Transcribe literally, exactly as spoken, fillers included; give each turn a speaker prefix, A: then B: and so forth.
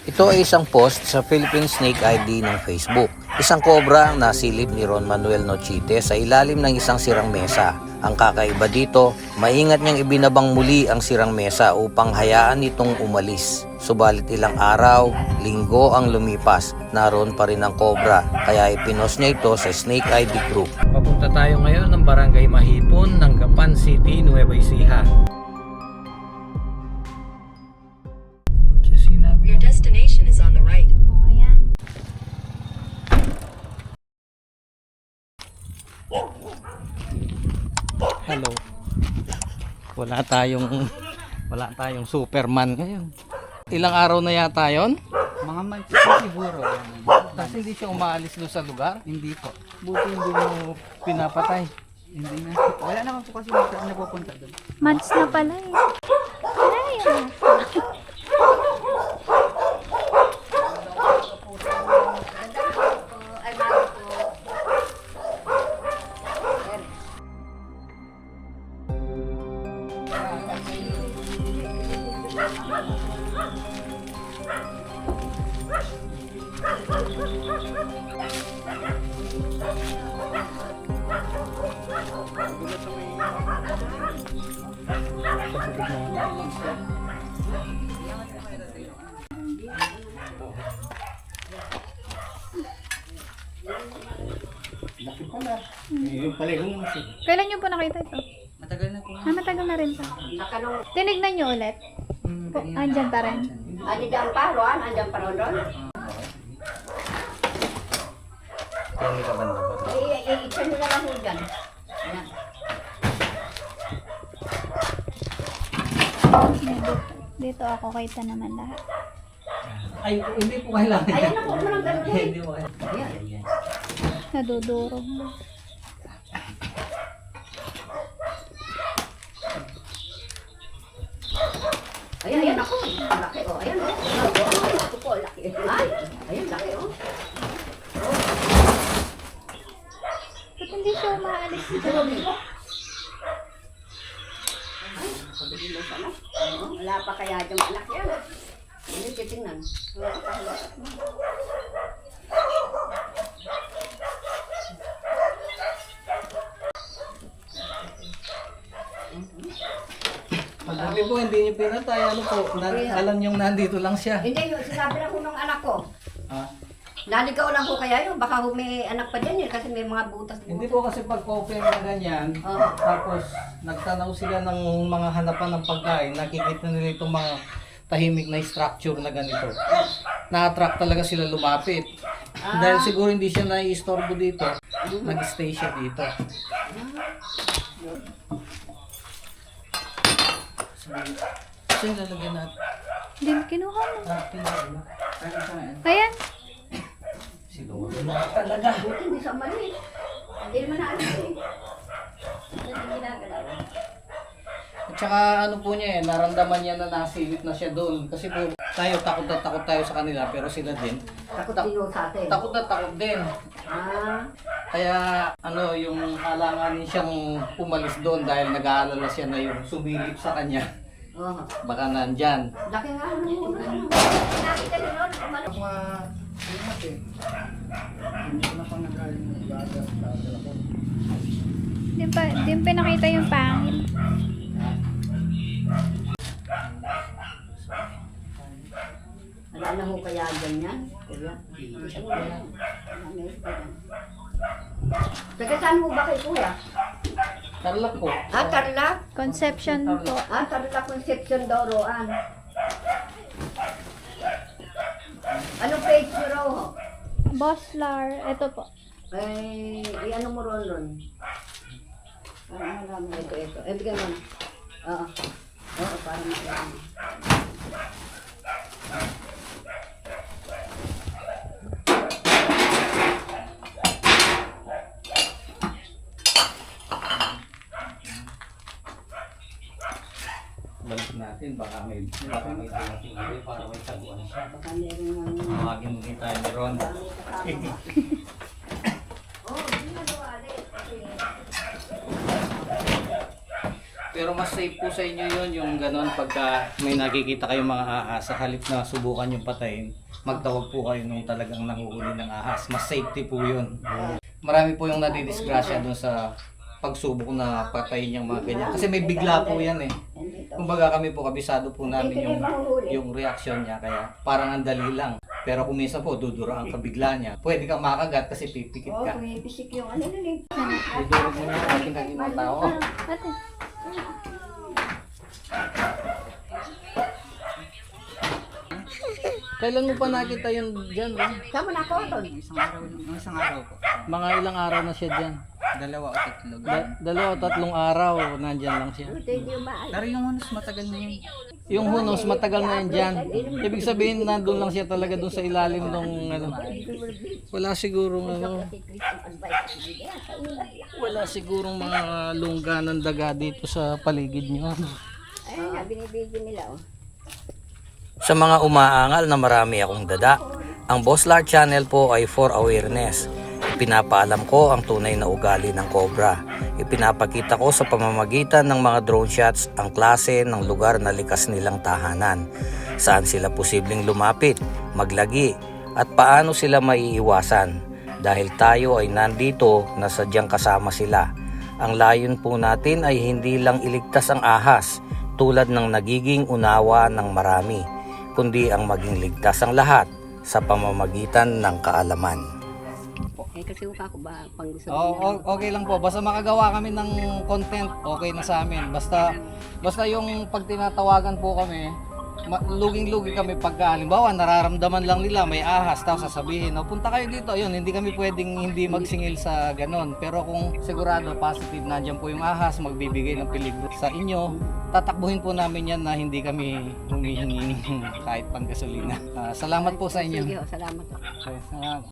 A: Ito ay isang post sa Philippine Snake I D ng Facebook. Isang kobra ang nasilip ni Ron Manuel Nochite sa ilalim ng isang sirang mesa. Ang kakaiba dito, maingat niyang ibinabang muli ang sirang mesa upang hayaan itong umalis. Subalit ilang araw, linggo ang lumipas, naroon pa rin ang kobra, kaya ipinost niya ito sa Snake I D Group. Papunta tayo ngayon ng Barangay Mahipon ng Gapan City, Nueva Ecija.
B: Your destination is on the right.
C: Oh, ayan.
A: Hello. Wala tayong wala tayong Superman ngayon. Ilang araw na yata yon?
D: Mga months siguro.
A: Kasi hindi siya umaalis doon sa lugar.
D: Hindi po.
A: Buti hindi mo pinapatay.
D: Hindi na. Wala naman po kasi na napupunta doon.
C: Months na pala eh. Ayan.
A: Yung paligong kasi.
C: Kailan nyo po nakita ito?
D: Matagal na po.
C: Ah, matagal na rin pa. Tinignan nyo ulit?
D: Hmm,
C: Po, andyan pa rin.
E: Andyan pa, Ron? Andyan pa, Ron, Ron?
A: Kaya ka ba na?
E: Eh, i-itsan nyo na lang ho dyan. Ayan.
C: Dito, dito ako kita naman lahat.
A: Ay, hindi po kailangan.
E: Ayan na po, mo lang ganun.
A: Hindi mo kailangan.
E: Ayan.
C: Nadudurog mo.
E: Ayan, ayan ako. Ang laki, oh. Ayan, oh. Oh, ako po, laki. Ay, ayan, laki, oh.
C: Ba't hindi siya umaalis dito?
E: Ay, sabihin mo sana. Oo, wala pa kaya dyan anak yan. Hindi, titingnan. Wala pa kaya.
A: Pagdabi po, hindi niyo pinatay. Ano po, na, alam niyong nandito lang siya.
E: Hindi, yun, sinabi lang ko ng anak ko.
A: Ha?
E: Naligaw lang ko kaya yun. Baka may anak pa dyan yun kasi may mga butas.
A: Hindi po kasi pag open na ganyan,
E: Oo.
A: tapos nagtanaw sila ng mga hanapan ng pagkain, nakikita nila itong mga tahimik na structure na ganito. Na-attract talaga sila lumapit.
E: Ah.
A: Dahil siguro hindi siya nai-istorbo dito, nag-stay siya dito. Saan lalagyan natin?
C: Hindi mo kinuha mo.
A: Ah, tingnan mo.
C: Ayan.
A: Siguro na talaga.
E: Buti hindi sa mali. Hindi naman na alis eh. Hindi ginagalaw.
A: At saka ano po niya eh, naramdaman niya na nasilip na siya doon. Kasi po tayo, takot na takot tayo sa kanila, pero sila din.
E: Takot din ho sa atin.
A: Takot na takot din.
E: Ah,
A: Kaya ano, yung alanganin siyang umalis doon dahil nag-aalala siya na yung sumilip sa kanya.
E: oh.
A: Baka nandyan.
E: Laki nga ano mo. Nakita niyo nun, umalis.
D: Mga ingat eh. Hindi ko na pang nagaling ng baga sa telefon.
C: Di pa, di pa nakita yung pangil.
E: Wala na ho kaya ganyan. Kuya. Hindi siya wala. Wala pa yan. Taga saan ho ba kay Kuya?
A: Tarlac po.
E: Ah, Tarlac?
C: Conception po.
E: Ah, Tarlac Conception Doroan. Anong page nyo raw ho?
C: Boslar. Ito po.
E: Ay, i-ano mo ron ron? Para malaman. Ito, ito. Eh, bigyan mo na. Oo. Oo, para malaman.
A: Balik natin, baka may, baka may dating ulit para may taguan siya.
E: Baka meron ng...
A: Tawagin mo din tayo ni Ron.
E: Oh, hindi na daw, Alex.
A: Pero mas safe po sa inyo yun, yung gano'n pagka may nakikita kayong mga ahas, sa halip na subukan yung patayin, magtawag po kayo nung talagang nanguhuli ng ahas. Mas safety po yun. Marami po yung nadidisgrasya dun sa pagsubok na patayin yung mga ganyan. Kasi may bigla po yan eh. Kumbaga kami po, kabisado po namin yung, yung reaksyon niya, kaya parang ang dali lang. Pero kung minsan po, duduraan ka bigla niya. Pwede kang makagat kasi pipikit
E: Oo,
A: ka.
E: pumipisik yung ano nun eh.
A: Dudurog mo yung ating kaginang tao.
C: Ate.
A: Kailan mo pa nakita yun dyan? Eh?
E: Saan mo na ako doon?
D: Isang araw, isang araw po.
A: Mga ilang araw na siya dyan?
D: Dalawa o tatlo.
A: Da- dalawa o tatlong araw, nandyan lang siya.
E: Buti hindi umaalis.
D: Pero yung hunos matagal na yun.
A: Yung hunos, matagal na yan dyan. Ibig sabihin, nandun lang siya talaga dun sa ilalim ng ano. Wala sigurong ano. Wala sigurong mga lungga ng daga dito sa paligid nyo.
E: Ayun nga, binibigyan nila oh.
A: Sa mga umaangal na marami akong dada, ang Boss Lar Channel po ay for awareness. Ipinapaalam ko ang tunay na ugali ng cobra. Ipinapakita ko sa pamamagitan ng mga drone shots ang klase ng lugar na likas nilang tahanan, saan sila posibleng lumapit, maglagi, at paano sila maiiwasan. Dahil tayo ay nandito na sadyang kasama sila. Ang layon po natin ay hindi lang iligtas ang ahas tulad ng nagiging unawa ng marami, kundi ang maging ligtas ang lahat sa pamamagitan ng kaalaman.
E: Eh kasi uka ko ba pang gusto
A: Oh, o- okay lang po. Basta makagawa kami ng content, okay na sa amin. Basta basta yung pag tinatawagan po kami, ma- luging-lugi kami pagka halimbawa nararamdaman lang nila may ahas, tapos sasabihin, "Oh, punta kayo dito." Ayun, hindi kami pwedeng hindi magsingil sa ganon. Pero kung sigurado positive nandiyan po yung ahas, magbibigay ng peligro sa inyo, tatakbuhin po namin yan na hindi kami humihingi ng kahit pang gasolina. Ah, salamat po sa inyo.
E: Sige, oh, salamat.
A: Okay, salamat.